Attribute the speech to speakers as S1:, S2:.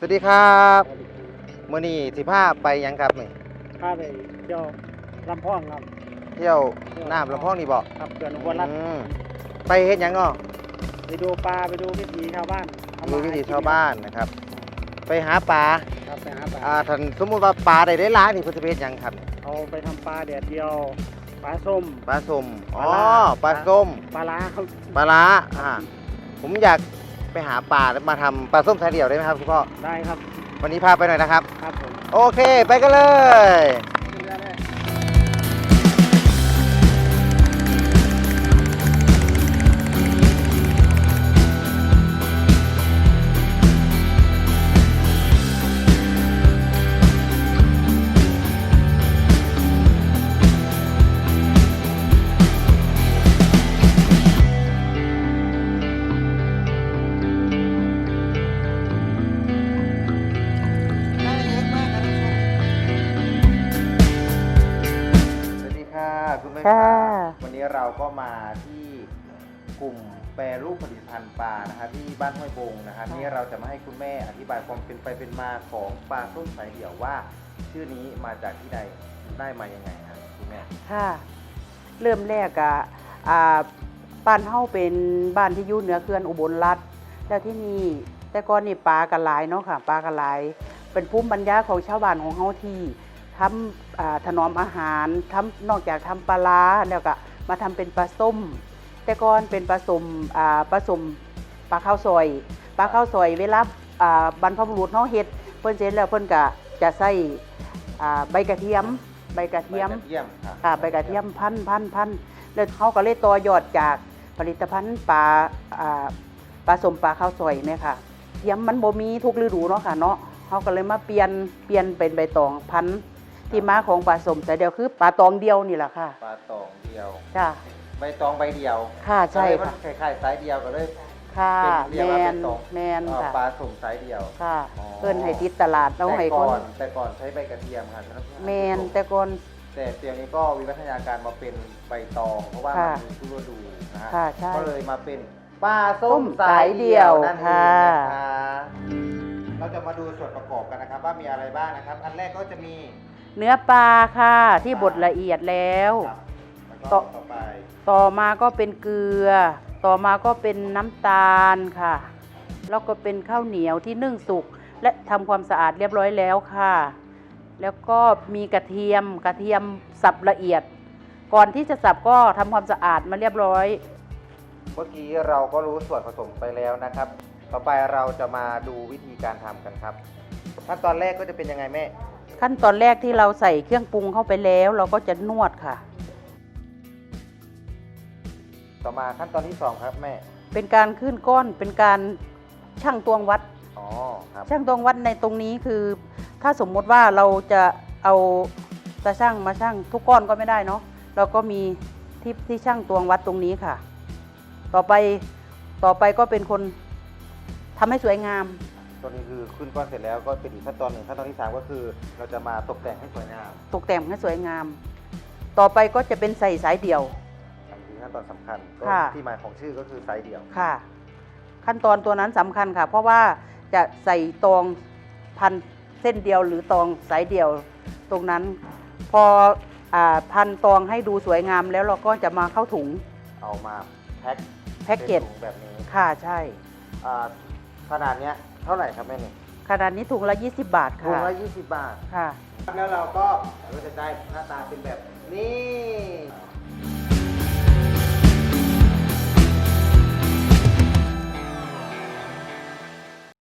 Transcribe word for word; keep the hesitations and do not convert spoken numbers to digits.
S1: วัสดีครับมื้อนี้สิพาไปหยังครับนี่
S2: พาไปเที่ยวลำพองครับ
S1: เที่ยวน้ำลำพองนี่บ่
S2: ครับเขื่อนอุบลรัตน์
S1: ไปเฮ็ดหยังอ้อ
S2: ไปดูปลาไปดูวิถีชาวบ้าน
S1: ดูวิถีชาวบ้านนะครับไปหาปลา
S2: ครับไปหาปลา
S1: อ่าท่านสมมุติว่าปลาได้หลายๆนี่เพิ่นสิไปเฮ็ดหยังครับ
S2: เอาไปทำปลาแดดเดียวปลาส้ม
S1: ปลาส้มอ๋อปลาส้ม
S2: ปลาล้าครับ
S1: ปลาล้าอ่าผมอยากไปหาปลาแล้วมาทำปลาส้มสายเดี่ยวได้ไหมครับคุณพ่อ
S2: ได้ครับ
S1: วันนี้พาไปหน่อยนะครับ
S2: ครับผม
S1: โอเคไปกันเลยคุณแม่ครับวันนี้เราก็มาที่กลุ่มแปรรูปผลิตภัณฑ์ปลานะครับที่บ้านห้วยบงนะครับนี่เราจะมาให้คุณแม่อธิบายความเป็นไปเป็นมาของปลาส้มสายเดี่ยวว่าชื่อนี้มาจากที่ใดได้มายังไงครับคุณแม่
S3: ค่ะเริ่มแรกอะอ่าบ้านเฮาเป็นบ้านที่อยู่เหนือเขื่อนอุบลรัตน์แล้วที่นี่แต่ก่อนนี่ปลากระหลายเนาะค่ะปลากระหลายเป็นภูมิปัญญาของชาวบ้านของเฮาที่ทำถนอมอาหารทำนอกจากทำปลาร้าแล้วก็มาทำเป็นปลาส้มแต่ก่อนเป็นปลาส้มปลาส้มปลาข้าวซอยปลาข้าวซอยเวลาบรรพบุรุษเฮาเฮ็ดเพิ่นเสร็จแล้วเพิ่นก็จะใส่ใบกระเทียมใบกระเทียมค่ะใบกระเทียมพันพันพันแล้วเฮาก็เลยต่อยอดจากผลิตภัณฑ์ปลาปลาส้มปลาข้าวซอยเนี่ยค่ะเทียมมันบ่มีทุกฤดูเนาะค่ะเนาะเฮาก็เลยมาเปลี่ยนเปลี่ยนเป็นใบตองพันที่มาของปลาส้มสายเดียวคือปลาตองเดียวนี่แหละค่ะ
S1: ปลาตองเดียว
S3: จ้ะ
S1: ใบตองใบเดียว
S3: ค่ะใช่
S1: ค่ะคล้ายๆสายเดียวก็เลย
S3: ค่ะแมนแมนค่ะ
S1: ปลาส้มสายเดียว
S3: ค่ะเพิ่นให้ติดตลาดแล้วให้คน
S1: แต่ก่อนใช้ใบกระเทียมค่ะ
S3: แมนแต่ก่อน
S1: แต่เดี๋ยวนี้ก็วิวัฒนาการมาเป็นใบตองเพราะว่ามันมีทุกฤดูนะฮะก็เลยมาเป็นปลาส้มสายเดียวนั่นเองนะคะเราจะมาดูส่วนประกอบกันนะครับว่ามีอะไรบ้างนะครับอันแรกก็จะมี
S3: เนื้อปลาค่ะที่บดละเอียดแล้ว
S1: ต่อไป
S3: ต่อมาก็เป็นเกลือต่อมาก็เป็นน้ำตาลค่ะแล้วก็เป็นข้าวเหนียวที่นึ่งสุกและทำความสะอาดเรียบร้อยแล้วค่ะแล้วก็มีกระเทียมกระเทียมสับละเอียดก่อนที่จะสับก็ทำความสะอาดมาเรียบร้อย
S1: เมื่อกี้เราก็รู้ส่วนผสมไปแล้วนะครับต่อไปเราจะมาดูวิธีการทำกันครับขั้นตอนแรกก็จะเป็นยังไงแม่
S3: ขั้นตอนแรกที่เราใส่เครื่องปรุงเข้าไปแล้วเราก็จะนวดค่ะ
S1: ต่อมาขั้นตอนที่สองครับแม่
S3: เป็นการขึ้นก้อนเป็นการชั่งตวงวัด
S1: อ๋อครับ
S3: ชั่งตวงวัดในตรงนี้คือถ้าสมมติว่าเราจะเอาตาชั่งมาชั่งทุกก้อนก็ไม่ได้เนาะเราก็มีที่ที่ชั่งตวงวัดตรงนี้ค่ะต่อไปต่อไปก็เป็นคนทำให้สวยงาม
S1: ตัวนี้คือขึ้นก้อนเสร็จแล้วก็เป็นอีกขั้นตอนหนึ่งขั้นตอนที่สามก็คือเราจะมาตกแต่งให้สวยงาม
S3: ตกแต่งให้สวยงามต่อไปก็จะเป็นใส่สายเดี่ยว
S1: อันนี้ขั้นตอนสำคัญที่มาของชื่อก็คือสายเดี่ยว
S3: ค่ะขั้นตอนตัวนั้นสำคัญค่ะเพราะว่าจะใส่ตองพันเส้นเดียวหรือตองสายเดี่ยวตรงนั้นพอพันตองให้ดูสวยงามแล้วเราก็จะมาเข้าถุง
S1: เอามาแพ็ค
S3: แพ็คเกจ
S1: แบบนี้
S3: ค่ะใช่
S1: ขนาดนี้เท่าไหร่ครับแม่เนี่ย
S3: ขนาดนี้ถุงละยี่สิบบาทค่ะ
S1: ถุงละยี่สิบบาท
S3: ค่ะ
S1: แล้วเราก็เราจะได้หน้าตาเป็นแบบนี้